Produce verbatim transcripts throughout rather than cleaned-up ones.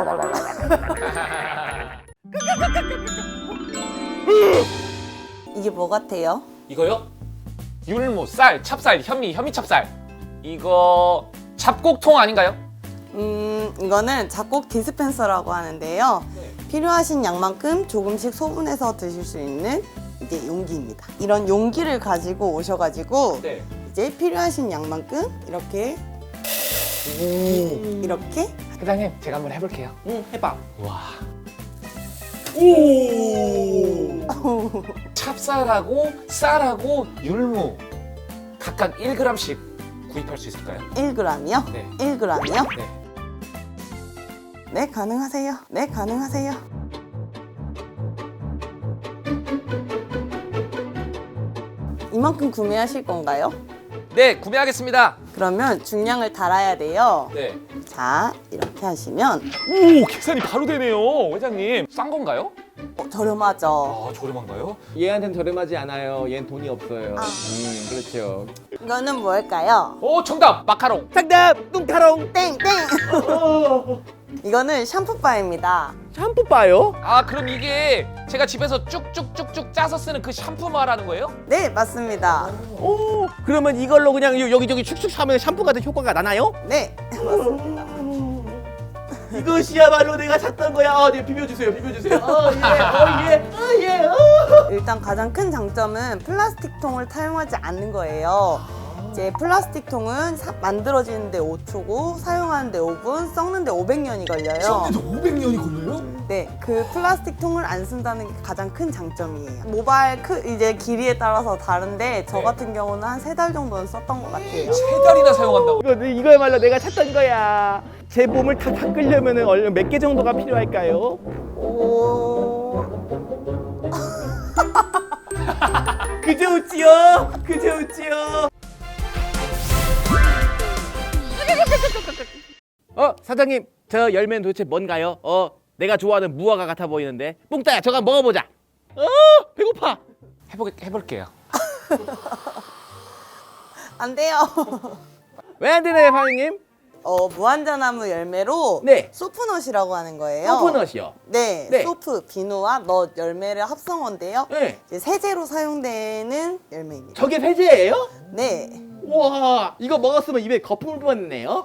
이게 뭐 같아요? 이거요? 율무, 쌀, 찹쌀, 현미, 현미찹쌀. 이거 잡곡통 아닌가요? 음, 이거는 잡곡 디스펜서라고 하는데요. 네. 필요하신 양만큼 조금씩 소분해서 드실 수 있는 이제 용기입니다. 이런 용기를 가지고 오셔가지고 네. 이제 필요하신 양만큼 이렇게 오. 이렇게 회장님, 제가 한번 해볼게요. 응, 해봐. 와. 오. 찹쌀하고 쌀하고 율무 각각 일 그램씩 구입할 수 있을까요? 일 그램이요? 네. 일 그램이요? 네. 네, 가능하세요. 네, 가능하세요. 이만큼 구매하실 건가요? 네, 구매하겠습니다. 그러면 중량을 달아야 돼요. 네. 자, 이렇게 하시면 오, 계산이 바로 되네요, 회장님. 싼 건가요? 어, 저렴하죠. 아, 저렴한가요? 얘한테는 저렴하지 않아요. 얘는 돈이 없어요. 아. 음, 그렇죠. 이거는 뭘까요? 오, 정답! 마카롱. 정답! 뚱카롱! 땡! 땡! 이거는 샴푸바입니다. 샴푸 바요? 아, 그럼 이게 제가 집에서 쭉쭉쭉쭉 짜서 쓰는 그 샴푸 말하는 거예요? 네, 맞습니다. 오, 그러면 이걸로 그냥 요- 여기저기 축축 하면 샴푸 같은 효과가 나나요? 네, 맞습니다. 이것이야말로 내가 찾던 거야. 어, 네, 비벼주세요, 비벼주세요. 어, 예, 어, 예, 어, 예, 어. 일단 가장 큰 장점은 플라스틱 통을 사용하지 않는 거예요. 이제 플라스틱 통은 사- 만들어지는데 오 초고 사용하는데 오 분, 썩는데 오백 년이 걸려요. 오백 년이 걸려요? 네, 그 플라스틱 통을 안 쓴다는 게 가장 큰 장점이에요. 모발 크 이제 길이에 따라서 다른데 저 네. 같은 경우는 한 세 달 정도는 썼던 것 같아요. 세 달이나 사용한다고? 이거, 이거야말로 내가 찾던 거야. 제 몸을 다 닦으려면 얼른 몇 개 정도가 필요할까요? 오... 그저 웃지요? 그저 웃지요? 어, 사장님, 저 열매는 도대체 뭔가요? 어, 내가 좋아하는 무화과 같아 보이는데. 뿡따야, 저거 한번 먹어보자. 어, 배고파. 해보, 해볼게요. 안 돼요. 왜 안 되나요, 사장님? 어, 무한자나무 열매로 네. 소프넛이라고 하는 거예요. 코코넛이요. 네, 네. 소프, 비누와 넛 열매를 합성어인데요. 네. 이제 세제로 사용되는 열매입니다. 저게 세제예요? 네. 우와, 이거 먹었으면 입에 거품을 뿜었네요.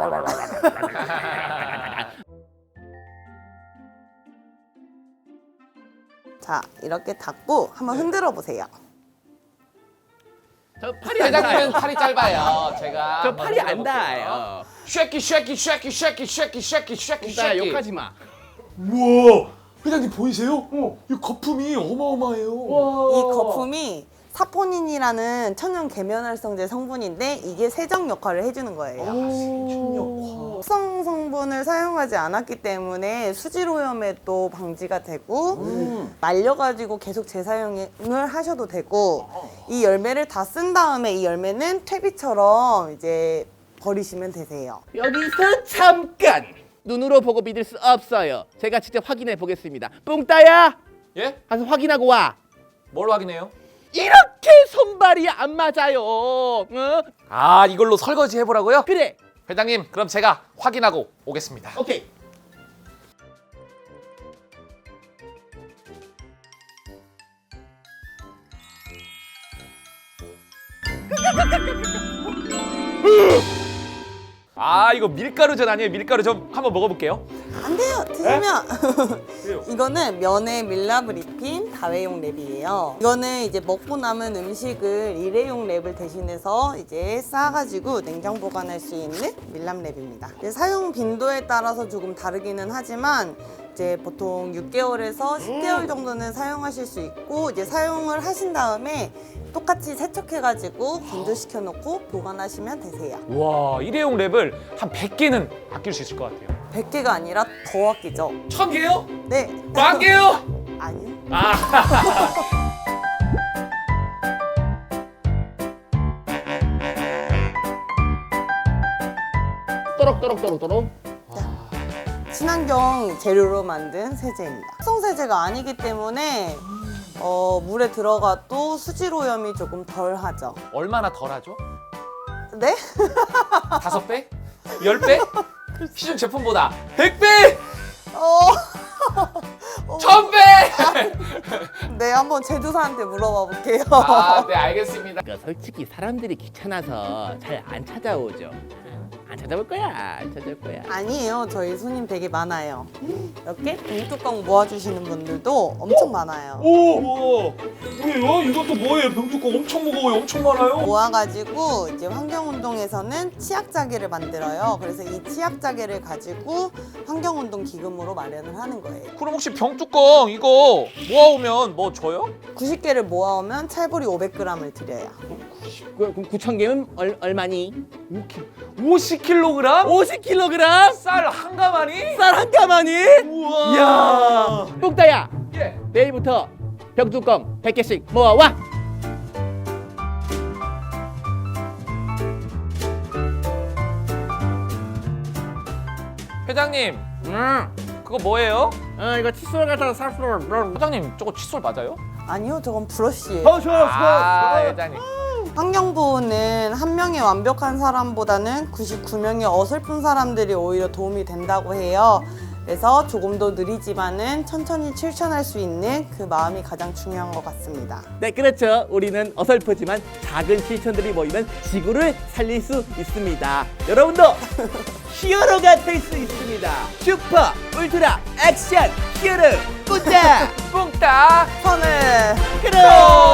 자, 이렇게 닫고 한번 흔들어 보세요. 저 팔이 안 회장님은 닿아요. 팔이 짧아요. 제가 저 한번 팔이 안 해볼게요. 닿아요. 쉐키 쉐키 쉐키 쉐키 쉐키 쉐키 쉐키 뿡따야, 쉐키. 욕하지 마. 우와, 회장님 보이세요? 이 거품이 어마어마해요. 이 거품이 사포닌이라는 천연 계면활성제 성분인데 이게 세정 역할을 해주는 거예요. 합성 성분을 사용하지 않았기 때문에 수질 오염에도 방지가 되고 음. 말려가지고 계속 재사용을 하셔도 되고 이 열매를 다 쓴 다음에 이 열매는 퇴비처럼 이제 버리시면 되세요. 여기서 잠깐! 눈으로 보고 믿을 수 없어요. 제가 직접 확인해 보겠습니다. 뿡따야, 예? 가서 확인하고 와. 뭘 확인해요? 이렇게 손발이 안 맞아요. 어? 아, 이걸로 설거지 해보라고요? 그래. 회장님, 그럼 제가 확인하고 오겠습니다. 오케이. 아, 이거 밀가루전 아니에요? 밀가루전 한번 먹어볼게요. 안 돼요. 드시면 왜요? 이거는 면에 밀랍을 입힌 다회용 랩이에요. 이거는 이제 먹고 남은 음식을 일회용 랩을 대신해서 이제 싸가지고 냉장 보관할 수 있는 밀랍 랩입니다. 이제 사용 빈도에 따라서 조금 다르기는 하지만 이제 보통 육 개월에서 십 개월 정도는 사용하실 수 있고 이제 사용을 하신 다음에 똑같이 세척해가지고 건조시켜 놓고 보관하시면 되세요. 와, 일회용 랩을 한 백 개는 아낄 수 있을 것 같아요. 백 개가 아니라 더 아끼죠. 천 개요? 네. 만 개요? 아니요. 아. 또록또록또록또록. 친환경 재료로 만든 세제입니다. 합성 세제가 아니기 때문에 어, 물에 들어가도 수질 오염이 조금 덜하죠. 얼마나 덜하죠? 네? 다섯 배? 열 배? 시중 제품보다 백 배! 어, 천배! 네, 한번 제주사한테 물어봐 볼게요. 아, 네, 알겠습니다. 그러니까 솔직히 사람들이 귀찮아서 잘 안 찾아오죠. 안 찾아올 거야. 안 찾아올 거야. 아니에요. 저희 손님 되게 많아요. 이렇게 병뚜껑 모아주시는 분들도 엄청 많아요. 오! 뭐예요? 이것도 뭐예요? 병뚜껑 엄청 무거워요. 엄청 많아요. 모아가지고 이제 환경운동에서는 치약자개를 만들어요. 그래서 이 치약자개를 가지고 환경운동 기금으로 마련을 하는 거예요. 그럼 혹시 병뚜껑 이거 모아오면 뭐 줘요? 구십 개를 모아오면 찰보리 오백 그램을 드려요. 그- 그럼 구천 개면 얼, 얼마니? 오십 킬로그램? 오십 킬로그램? 쌀 한 가마니? 쌀 한 가마니? 우와. 이야. 뽕따야. 예. 내일부터 병뚜껑 백 개씩 모아와. 회장님, 응. 그거 뭐예요? 어 이거 칫솔 같아서 살수록. 회장님, 저거 칫솔 맞아요? 아니요, 저건 브러쉬예요. 어 좋아 아, 회장님. 환경보호는 한 명의 완벽한 사람보다는 구십구 명의 어설픈 사람들이 오히려 도움이 된다고 해요. 그래서 조금 더 느리지만은 천천히 실천할 수 있는 그 마음이 가장 중요한 것 같습니다. 네 그렇죠. 우리는 어설프지만 작은 실천들이 모이면 지구를 살릴 수 있습니다. 여러분도 히어로가 될 수 있습니다. 슈퍼 울트라 액션 히어로 뿡따 뿡따. 선을 그럼.